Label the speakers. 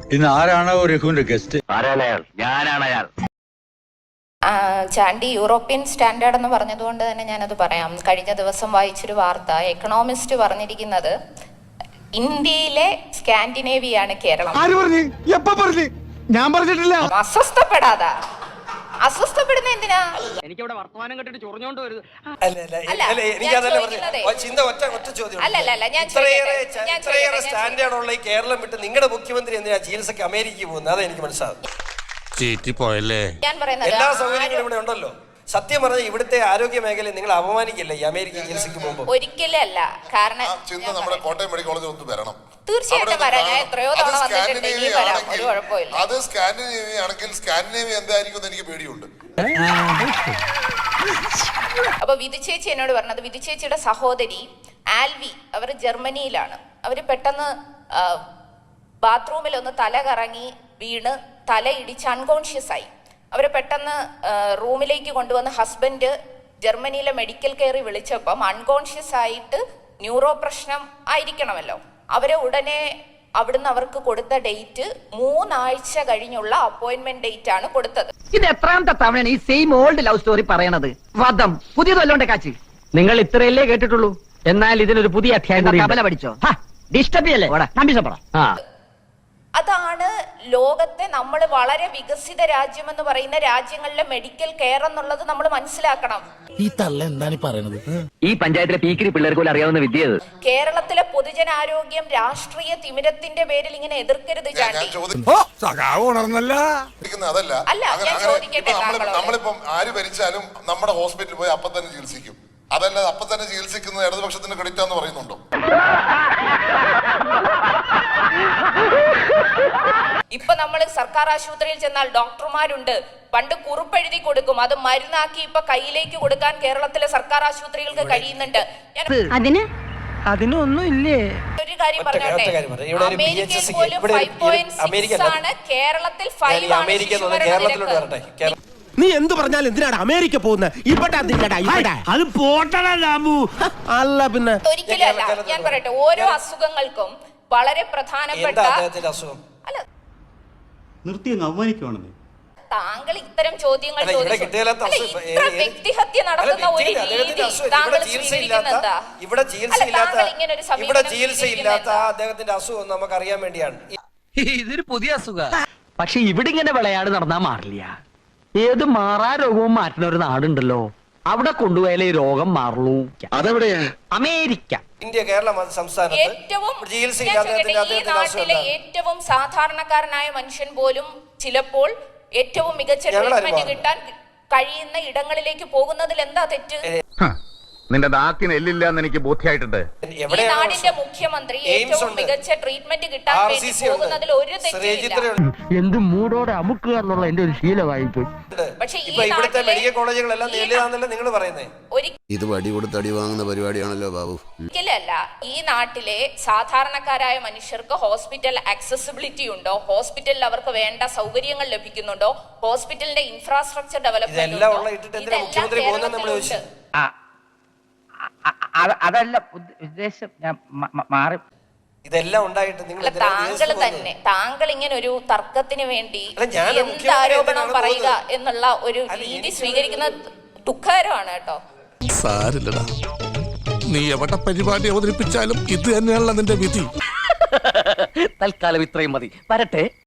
Speaker 1: ഇന്ന് ആരാണ് രഘുവിന്റെ ഗസ്റ്റ്?
Speaker 2: ഞാനാണ് അയാൾ.
Speaker 3: ചാണ്ടി യൂറോപ്യൻ സ്റ്റാൻഡേർഡ് എന്ന് പറഞ്ഞതുകൊണ്ട് തന്നെ ഞാനത് പറയാം. കഴിഞ്ഞ ദിവസം വായിച്ചൊരു വാർത്ത, എക്കണോമിസ്റ്റ് പറഞ്ഞിരിക്കുന്നത് ഇന്ത്യയിലെ സ്കാൻഡിനേവിയാണ് കേരളം.
Speaker 4: ഞാൻ പറഞ്ഞിട്ടില്ല.
Speaker 3: അസ്വസ്ഥപ്പെടുന്ന എന്തിനാ?
Speaker 2: എനിക്കിവിടെ വർത്തമാനം കേട്ടിട്ട് ചൊറിഞ്ഞോണ്ട് വരുത്.
Speaker 5: സ്റ്റാൻഡേർഡുള്ള ഈ കേരളം വിട്ട് നിങ്ങളുടെ മുഖ്യമന്ത്രി എന്തിനാ ചികിത്സക്ക് അമേരിക്കയിൽ പോകുന്നത്? അതെ, എനിക്ക് മനസ്സിലാവും.
Speaker 3: ഞാൻ പറയുന്നത്
Speaker 5: എല്ലാ സൗകര്യങ്ങളും ഇവിടെ ഉണ്ടല്ലോ. സത്യം പറഞ്ഞാൽ ഇവിടുത്തെ ആരോഗ്യ മേഖലയെ നിങ്ങൾ അപമാനിക്കില്ല ഈ അമേരിക്ക ചികിത്സയ്ക്ക് പോകുമ്പോൾ?
Speaker 3: ഒരിക്കലും അല്ല. കാരണം
Speaker 6: നമ്മുടെ കോട്ടയം മെഡിക്കൽ കോളേജിൽ ഒന്ന് വരണം.
Speaker 3: തീർച്ചയായിട്ടും വരാം. ഞാൻ എത്രയോ തവണ വന്നിട്ടുണ്ട്. ഇനി വരാം, ഒരു കുഴപ്പമില്ല.
Speaker 6: അത് സ്കാൻഡിനേവിയ ആണെങ്കിൽ സ്കാൻഡിനേവിയ എന്തായിരിക്കും എനിക്ക് പേടിയുണ്ട്.
Speaker 3: അപ്പൊ വിധു ചേച്ചി എന്നോട് പറഞ്ഞത്, വിധു ചേച്ചിയുടെ സഹോദരി ആൽവി, അവർ ജർമ്മനിയിലാണ്. അവര് പെട്ടെന്ന് ബാത്റൂമിൽ ഒന്ന് തല കറങ്ങി വീണ് തല ഇടിച്ച് അൺകോൺഷ്യസ് ആയി. അവരെ പെട്ടെന്ന് റൂമിലേക്ക് കൊണ്ടുവന്ന് ഹസ്ബൻഡ് ജർമ്മനിയിലെ മെഡിക്കൽ കെയറിൽ വിളിച്ചപ്പം അൺകോൺഷ്യസ് ആയിട്ട് ന്യൂറോ പ്രശ്നം ആയിരിക്കണമല്ലോ. അവരെ ഉടനെ അവിടുന്ന് അവർക്ക് കൊടുത്ത ഡേറ്റ് 3 ആഴ്ച കഴിഞ്ഞുള്ള അപ്പോയിന്റ്മെന്റ് ഡേറ്റ് ആണ് കൊടുത്തത്.
Speaker 7: ഇത് എത്രാമത്തെ തവണയാണ് ഈ സെയിം ഓൾഡ് ലവ് സ്റ്റോറി പറയണത്? വധം പുതിയതല്ലോണ്ടെ കാച്ചി. നിങ്ങൾ ഇത്രയല്ലേ കേട്ടിട്ടുള്ളൂ, എന്നാൽ ഇതിനൊരു പുതിയ അധ്യായം കബല പഠിച്ചോ. ഡിസ്റ്റർബ് ചെയ്യല്ലേ?
Speaker 3: അതാണ് ലോകത്തെ നമ്മൾ വളരെ വികസിത രാജ്യം എന്ന് പറയുന്ന രാജ്യങ്ങളിലെ മെഡിക്കൽ കെയർ എന്നുള്ളത് നമ്മൾ മനസ്സിലാക്കണം.
Speaker 4: ഈ തള്ള എന്താണ് പറയുന്നത്?
Speaker 2: ഈ പഞ്ചായത്തിലെ പീക്കിരി പിള്ളേർക്ക് പോലും അറിയാവുന്ന വിദ്യ.
Speaker 3: കേരളത്തിലെ പൊതുജനാരോഗ്യം രാഷ്ട്രീയ തിമിരത്തിന്റെ പേരിൽ ഇങ്ങനെ എതിർക്കരുത് ചാണ്ടി.
Speaker 6: അതല്ല,
Speaker 3: അല്ല, ഞാൻ ചോദിക്കട്ടെ,
Speaker 6: നമ്മളിപ്പം ആര് ഭരിച്ചാലും നമ്മുടെ ഹോസ്പിറ്റലിൽ പോയി അപ്പം തന്നെ ചികിത്സിക്കും. അതല്ലാതെ അപ്പം തന്നെ ചികിത്സിക്കുന്നത് ഇടതുപക്ഷത്തിന് ക്രെഡിറ്റ് എന്ന് പറയുന്നുണ്ടോ?
Speaker 3: ഇപ്പൊ നമ്മൾ സർക്കാർ ആശുപത്രിയിൽ ചെന്നാൽ ഡോക്ടർമാരുണ്ട്. പണ്ട് കുറിപ്പെഴുതി കൊടുക്കും, അത് മരുന്നാക്കി ഇപ്പൊ കയ്യിലേക്ക് കൊടുക്കാൻ കേരളത്തിലെ സർക്കാർ ആശുപത്രികൾക്ക് കഴിയുന്നുണ്ട്.
Speaker 7: അതിനൊന്നും ഇല്ലേ?
Speaker 3: ഒരു കാര്യം പറഞ്ഞോട്ടെ, അമേരിക്കയിൽ പോലും 5.6 ആണ്, കേരളത്തിൽ 5 ആണ്.
Speaker 4: നീ എന്ത് പറഞ്ഞാലും എന്തിനാണ് അമേരിക്ക പോകുന്നത്? അത് പോട്ടണു അല്ല പിന്നെ
Speaker 3: ഒരിക്കലല്ല. ഞാൻ പറയട്ടെ, ഓരോ അസുഖങ്ങൾക്കും വളരെ പ്രധാനപ്പെട്ട അല്ല,
Speaker 8: നിർത്തി അവമാനിക്കുവാണെന്ന്
Speaker 3: താങ്കൾ ഇത്തരം ചോദ്യങ്ങൾ വ്യക്തിഹത്യ നടത്തുന്ന ഒരു രീതി താങ്കൾ സ്വീകരിക്കുന്നത്
Speaker 5: ഇവിടെ ചികിത്സയില്ലാത്ത അദ്ദേഹത്തിന്റെ അസുഖം നമുക്ക് അറിയാൻ വേണ്ടിയാണ്.
Speaker 7: ഇതൊരു പുതിയ അസുഖ. പക്ഷെ ഇവിടെ ഇങ്ങനെ വിളയാട് നടന്നാ മാറില്ല. ഏത് മാറാ രോഗവും മാറ്റുന്ന ഒരു നാടുണ്ടല്ലോ, അവിടെ കൊണ്ടുപോയാലേ ഈ രോഗം മാറുള്ളൂ. അതെവിടെയാ? അമേരിക്ക.
Speaker 5: ഇന്ത്യ കേരള സംസ്ഥാനത്ത്
Speaker 3: ഈ നാട്ടിലെ ഏറ്റവും സാധാരണക്കാരനായ മനുഷ്യൻ പോലും ചിലപ്പോൾ ഏറ്റവും മികച്ച ട്രീറ്റ്മെന്റ് കിട്ടാൻ കഴിയുന്ന ഇടങ്ങളിലേക്ക് പോകുന്നതിൽ എന്താ തെറ്റ്?
Speaker 9: നിന്റെ നാക്കിന് എല്ലില്ല എന്ന് എനിക്ക് ബോധ്യമായിട്ടുണ്ട്.
Speaker 3: ഈ നാടിന്റെ മുഖ്യമന്ത്രി ഏറ്റവും മികച്ച ട്രീറ്റ്മെന്റ് കിട്ടാൻ വേണ്ടി പോകുന്നതിൽ ഒരു തെറ്റില്ല.
Speaker 7: എന്ത് മൂടോടെ അമുക്കുക എന്നുള്ള എന്റെ ഒരു ശീലമായിപ്പോയി.
Speaker 3: പക്ഷേ
Speaker 5: ഇവിടുത്തെ മെഡിക്കൽ കോളേജുകളെല്ലാം നേരിടാന്നല്ലേ നിങ്ങൾ പറയുന്നത്?
Speaker 10: ഇത് വടി കൊടുത്ത് അടി വാങ്ങുന്ന പരിപാടിയാണല്ലോ ബാബു.
Speaker 3: ഒരിക്കലല്ല. ഈ നാട്ടിലെ സാധാരണക്കാരായ മനുഷ്യർക്ക് ഹോസ്പിറ്റൽ ആക്സസിബിലിറ്റി ഉണ്ടോ? ഹോസ്പിറ്റലിൽ അവർക്ക് വേണ്ട സൗകര്യങ്ങൾ ലഭിക്കുന്നുണ്ടോ? ഹോസ്പിറ്റലിന്റെ ഇൻഫ്രാസ്ട്രക്ചർ ഡെവലപ്മെന്റ്
Speaker 7: അതല്ല ഉദ്ദേശം. ഞാൻ മാറി.
Speaker 5: ഇതെല്ലാം ഉണ്ടായിട്ട്
Speaker 3: താങ്കൾ ഇങ്ങനെ ഒരു തർക്കത്തിന് വേണ്ടി എന്ത് ആരോപണം പറയുക എന്നുള്ള ഒരു രീതി സ്വീകരിക്കുന്നത് ദുഃഖകരമാണ് കേട്ടോ.
Speaker 4: സാരില്ലടാ, നീ എവിടെ പരിപാടി അവതരിപ്പിച്ചാലും ഇത് തന്നെയാണല്ലോ നിന്റെ വിധി.
Speaker 7: തൽക്കാലം ഇത്രയും മതി. വരട്ടെ.